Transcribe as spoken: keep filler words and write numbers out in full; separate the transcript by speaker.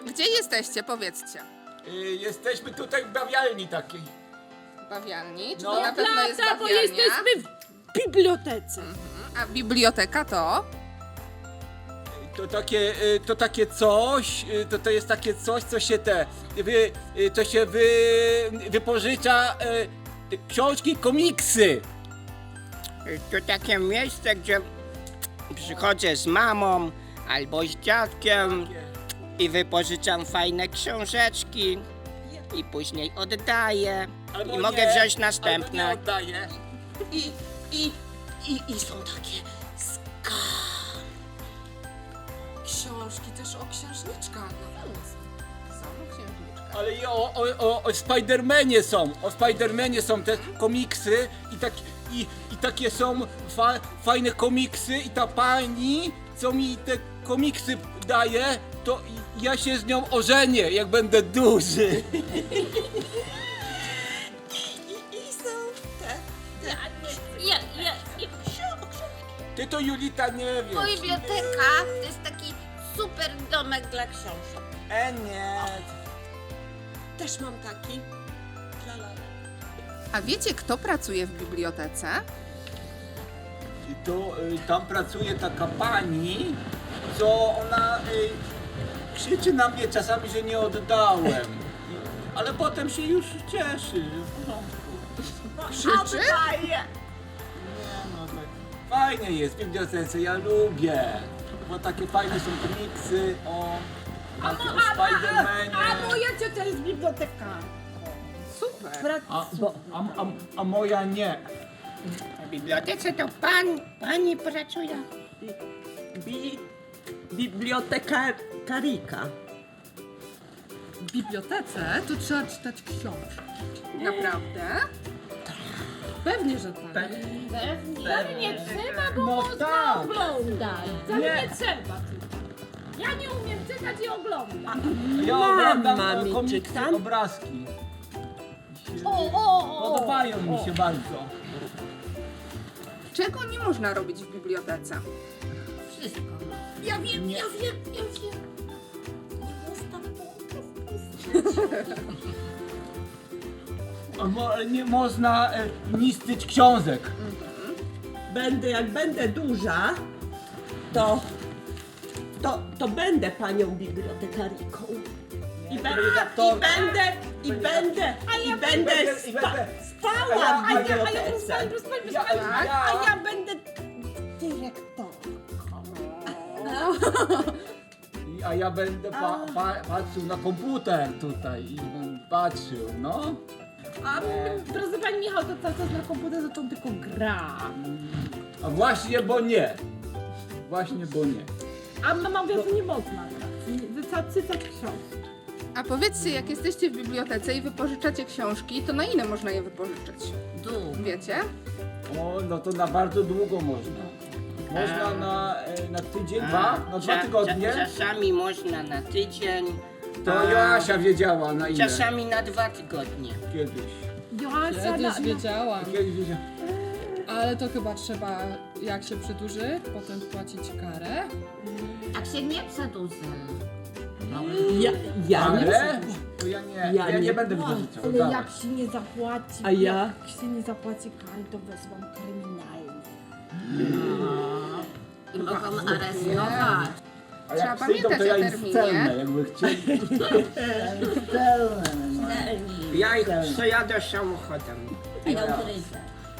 Speaker 1: Gdzie jesteście? Powiedzcie.
Speaker 2: Y, jesteśmy tutaj w bawialni takiej.
Speaker 1: Bawialni? Czy
Speaker 2: No.
Speaker 1: to na pewno jest
Speaker 3: Prawda, bo
Speaker 1: bawialnia?
Speaker 3: jesteśmy w bibliotece.
Speaker 1: A biblioteka to?
Speaker 2: To takie, y, to takie coś, y, to, to jest takie coś, co się te, wy, y, to się wy, wypożycza y, książki, komiksy.
Speaker 4: To takie miejsce, gdzie przychodzę z mamą albo z dziadkiem i wypożyczam fajne książeczki i później oddaję
Speaker 2: Albo
Speaker 4: i mogę
Speaker 2: nie,
Speaker 4: wziąć
Speaker 2: albo
Speaker 4: następne.
Speaker 2: nie oddaję.
Speaker 4: I, i, i, i są takie ska.
Speaker 5: Książki też o księżniczkach.
Speaker 1: Są księżniczka.
Speaker 2: Ale i o, o, o, o Spidermanie są, o Spidermanie są te komiksy i, tak, i, i takie są fa, fajne komiksy i ta pani, co mi te komiksy daje, to ja się z nią ożenię, jak będę duży.
Speaker 3: Ja, ja, ja.
Speaker 2: Ty to, Julita, nie wiesz.
Speaker 6: Biblioteka to jest taki super domek dla książek.
Speaker 2: E nie.
Speaker 5: Też mam taki. La, la, la.
Speaker 1: A wiecie, kto pracuje w bibliotece?
Speaker 2: I to y, tam pracuje taka pani, co ona y, krzyczy na mnie czasami, że nie oddałem. I- Ale potem się już cieszy, że w porządku.
Speaker 1: Krzyczy?
Speaker 2: Nie no, tak fajnie jest w bibliotece, ja lubię. Bo takie fajne są komiksy o, takie o Spidermanie.
Speaker 3: A moja ciocia jest bibliotekarką.
Speaker 1: Super.
Speaker 2: A, a, a, a moja nie.
Speaker 4: W bibliotece to pan, pani pracuje.
Speaker 5: Bi... Bibliotekarika.
Speaker 7: W bibliotece to trzeba czytać książki.
Speaker 1: Naprawdę?
Speaker 7: Pewnie, że tak.
Speaker 3: Wcale nie trzeba, bo
Speaker 2: No
Speaker 3: można
Speaker 2: tak.
Speaker 3: oglądać. Wcale
Speaker 2: Nie.
Speaker 3: nie, trzeba tylko. Ja nie umiem czytać i oglądam.
Speaker 2: Ja
Speaker 5: Mama
Speaker 2: oglądam
Speaker 5: mi
Speaker 2: e, komiksy,
Speaker 5: czytam.
Speaker 2: obrazki.
Speaker 3: O, o, o.
Speaker 2: Podobają mi się bardzo.
Speaker 1: Czego nie można robić w bibliotece?
Speaker 6: Wszystko.
Speaker 3: Ja wiem, ja wiem, ja wiem.
Speaker 2: A mo, nie można e, niszczyć książek.
Speaker 5: Będę, jak będę duża, to, to, to będę panią bibliotekariką. I, be,
Speaker 2: to-
Speaker 5: i będę, i będę, i będę
Speaker 2: i
Speaker 5: sta,
Speaker 2: będę-
Speaker 5: stała
Speaker 2: a
Speaker 5: w
Speaker 2: ja-
Speaker 3: A ja, a ja, proszę
Speaker 5: bibliotece.
Speaker 3: pani, proszę pani, proszę
Speaker 2: Ja-
Speaker 3: pani.
Speaker 2: ja-
Speaker 5: A ja będę dyrektorką.
Speaker 2: I- A ja będę pa, pa, patrzył na komputer tutaj i będę patrzył, no.
Speaker 3: A proszę pani Michał, to cały czas na komputerze to tylko gra.
Speaker 2: A właśnie, bo nie. Właśnie, bo nie.
Speaker 3: A mama mówi, że nie można grać. Wystarczy czytać książki.
Speaker 1: A powiedzcie, jak jesteście w bibliotece i wypożyczacie książki, to na ile można je wypożyczyć?
Speaker 6: Dół.
Speaker 1: Wiecie?
Speaker 2: O, no to na bardzo długo można. Można na, e, na tydzień, dwa, na dwa
Speaker 4: Cza-
Speaker 2: tygodnie.
Speaker 4: cza- Czasami można na tydzień,
Speaker 2: To
Speaker 4: a
Speaker 2: Joasia wiedziała na ile.
Speaker 4: czasami na dwa tygodnie.
Speaker 2: Kiedyś.
Speaker 3: Joasia, na,
Speaker 7: Kiedyś wiedziałam,
Speaker 2: Kiedyś wiedziała.
Speaker 7: ale to chyba trzeba, jak się przedłuży, potem płacić karę.
Speaker 6: Jak się nie przedłuży.
Speaker 5: Ja, ja nie
Speaker 2: Ale to ja nie, ja,
Speaker 5: Ja
Speaker 2: nie,
Speaker 5: nie
Speaker 2: będę
Speaker 5: płacę.
Speaker 2: wypożyczał.
Speaker 3: Ale
Speaker 2: dawaj.
Speaker 3: jak się nie zapłaci,
Speaker 5: A ja?
Speaker 3: jak się nie zapłaci kary, to wezwą kryminalne.
Speaker 6: I mogą aresztować.
Speaker 2: A
Speaker 1: Trzeba
Speaker 2: jak przyjdą, to
Speaker 1: pamiętać
Speaker 2: ja
Speaker 1: o
Speaker 2: im
Speaker 1: terminie.
Speaker 2: stelnę, jakby chcieli. Stelnę, no.
Speaker 4: Ja ich przejadę samochodem.
Speaker 6: A ja ugryzę.